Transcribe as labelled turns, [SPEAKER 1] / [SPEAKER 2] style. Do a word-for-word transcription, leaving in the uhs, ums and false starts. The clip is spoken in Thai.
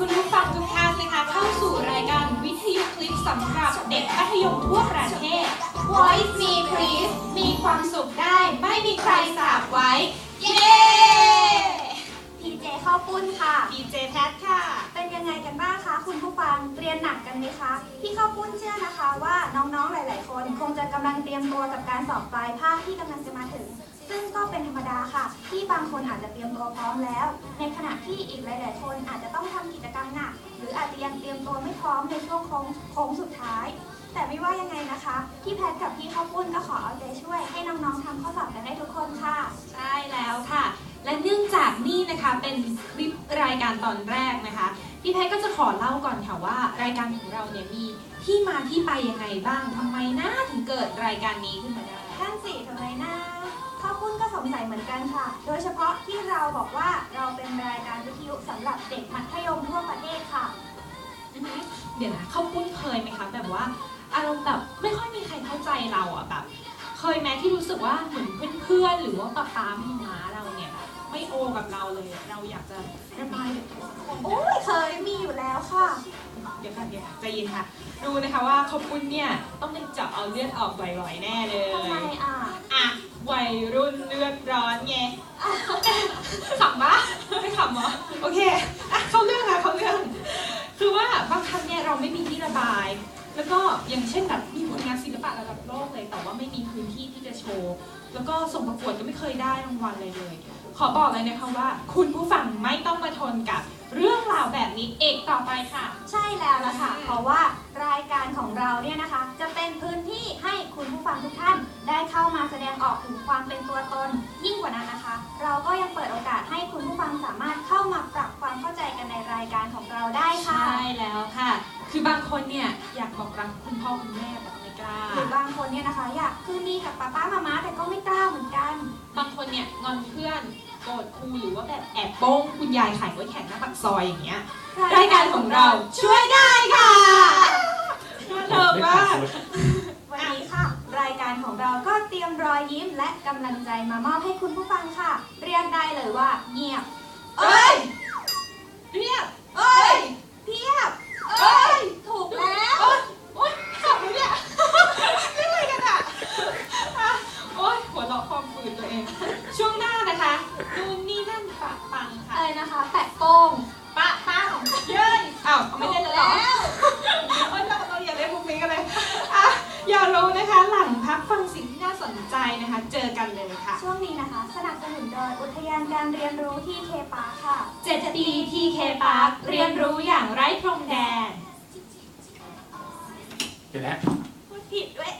[SPEAKER 1] คุณผู้ฟังทุกท่านนะคะเข้าสู่รายการวิทยุคลิปสำหรับเด็กมัธยมทั่วประเทศ Voice Me Please มีความสุขได้ไม่มีใครสาบไว้ เย้
[SPEAKER 2] พีเจข้าวปุ้นค่ะ
[SPEAKER 1] ดีเจแพทค่ะ
[SPEAKER 2] เป็นยังไงกันบ้างคะคุณผู้ฟังเรียนหนักกันไหมคะพี่ข้าวปุ้นเชื่อนะคะว่าน้องๆหลาย ๆ คนคงจะกำลังเตรียมตัวกับการสอบปลายภาคที่กำลังจะมาถึง ซึ่งก็เป็นธรรมดาค่ะที่บางคนอาจจะเตรียมตัวพร้อมแล้ว ในขณะที่อีกหลาย ๆ คนอาจจะต้องทำกิจกรรมหนักหรืออาจจะยังเตรียมตัวไม่พร้อมในช่วงโค้งโค้งสุดท้าย แต่ไม่ว่ายังไงนะคะพี่แพทกับพี่ข้าวปุ้นก็ขอเอาใจช่วยให้น้อง ๆทำข้อสอบกันได้ทุกคนค่ะ
[SPEAKER 1] ใช่แล้วค่ะ และเนื่องจากนี่นะคะเป็นคลิปรายการตอนแรกนะคะพี่แพทย์ก็จะขอเล่าก่อนค่ะว่ารายการของเราเนี่ยมีที่มาที่ไปยังไงบ้างทำไมนะถึงเกิดรายการนี้ขึ้นมาได้
[SPEAKER 2] ท่านสี่ทำไมนะข้าวปุ้นก็สงสัยเหมือนกันค่ะ โดยเฉพาะที่เราบอกว่าเราเป็นรายการวิทยุสำหรับเด็กมัธยมทั่วประเทศค่ะ
[SPEAKER 1] อือฮึเดี๋ยวนะเขาคุ้นเคยไหมคะแบบว่าอารมณ์แบบไม่ค่อยมีใครเข้าใจเราอ่ะแบบเคยไหมที่รู้สึกว่าเหมือนเพื่อนๆหรือว่าป๊าป๊าพี่ม้าเราเนี่ยแบบไม่โอกับเราเลยอะเราอยากจะระบายกับทุกคน
[SPEAKER 2] โอ้ยเคยมีอยู่แล้วค่ะ
[SPEAKER 1] เดี๋ยวค่ะเดี๋ยวค่ะใจเย็นค่ะดูนะคะว่าเขาปุ้นเนี่ยต้องเป็นเจาะเอาเลือดออกบ่อยๆแน่เลย
[SPEAKER 2] ทำไมอ่ะ
[SPEAKER 1] อ่ะวัยรุ่นเลือดร้อนไง ขำปะไม่ขำเหรอโอเคอ่ะเข้าเรื่องค่ะเข้าเรื่องคือว่าบางครั้งเนี่ยเราไม่มีที่ระบาย แล้วก็อย่างเช่นแบบมีผลงานศิลปะระดับโลกเลยแต่ว่าไม่มีพื้นที่ที่จะโชว์แล้วก็ส่งประกวดก็ไม่เคยได้รางวัลเลยเลย ขอบอกเลยนะคะว่า คุณผู้ฟังไม่ต้องมาทนกับเรื่องราวแบบนี้เอกต่อไปค่ะ
[SPEAKER 2] ใช่แล้วล่ะค่ะ เพราะว่ารายการของเราเนี่ยนะคะ จะเป็นพื้นที่ให้คุณผู้ฟังทุกท่าน ได้เข้ามาแสดงออกถึงความเป็นตัวตน ยิ่งกว่านั้นนะคะ เราก็ยังเปิดโอกาสให้คุณผู้ฟังสามารถเข้ามาปรับความเข้าใจกันในรายการของเราได้ค่ะ
[SPEAKER 1] ใช่แล้วค่ะ คือบางคนเนี่ยอยากบอกรักคุณพ่อคุณแม่แต่ไม่กล้า
[SPEAKER 2] หรือบางคนเนี่ยนะคะอยากคืนดีกับป้าป้ามาม่าแต่ก็ไม่กล้าเหมือนกัน
[SPEAKER 1] บางคนเนี่ยงอนเพื่อนโกรธครูหรือว่าแบบแอบโป้งคุณยายขายไว้แข่งหน้าปากซอยอย่างเงี้ย รายการของเราช่วยได้ค่ะเลิศมาก
[SPEAKER 2] วันนี้ค่ะ รายการของเราก็เตรียมรอยยิ้มและกำลังใจมามอบให้คุณผู้ฟังค่ะ เรียกได้เลยว่าเงียบ
[SPEAKER 1] เอ้ยเรียบเอ้ย
[SPEAKER 2] เพียบ
[SPEAKER 1] เอ้ย
[SPEAKER 2] ถูกแล้ว
[SPEAKER 1] โอ๊ยโอ๊ยขับเลยเนี่ยเรื่องอะไรกันอะอ่ะโอ๊ยหัวเราะความฝืนตัวเอง ช่วงหน้านะคะนู่นนี่นั่นปะปังค่ะ
[SPEAKER 2] อะไรนะคะ แปะโป้ง
[SPEAKER 1] ปะปังเย้ยอ้าวไม่เล่นแล้วเหรอโอ๊ยเราเราอย่าเล่นพวกนี้กันเลยอ่ะอย่ารู้นะคะ หลังพักฟังสิ่งที่น่าสนใจนะคะ เจอกันเลยค่ะ
[SPEAKER 2] ช่วงนี้นะคะ สนับสนุนโดยอุทยานการเรียนรู้ที่เคปาค่ะ
[SPEAKER 1] เจ็ดปี ที เค Park เรียนรู้อย่างไร้พรมแดน
[SPEAKER 3] เดี๋ยวนะ
[SPEAKER 2] พูดผิดด้วย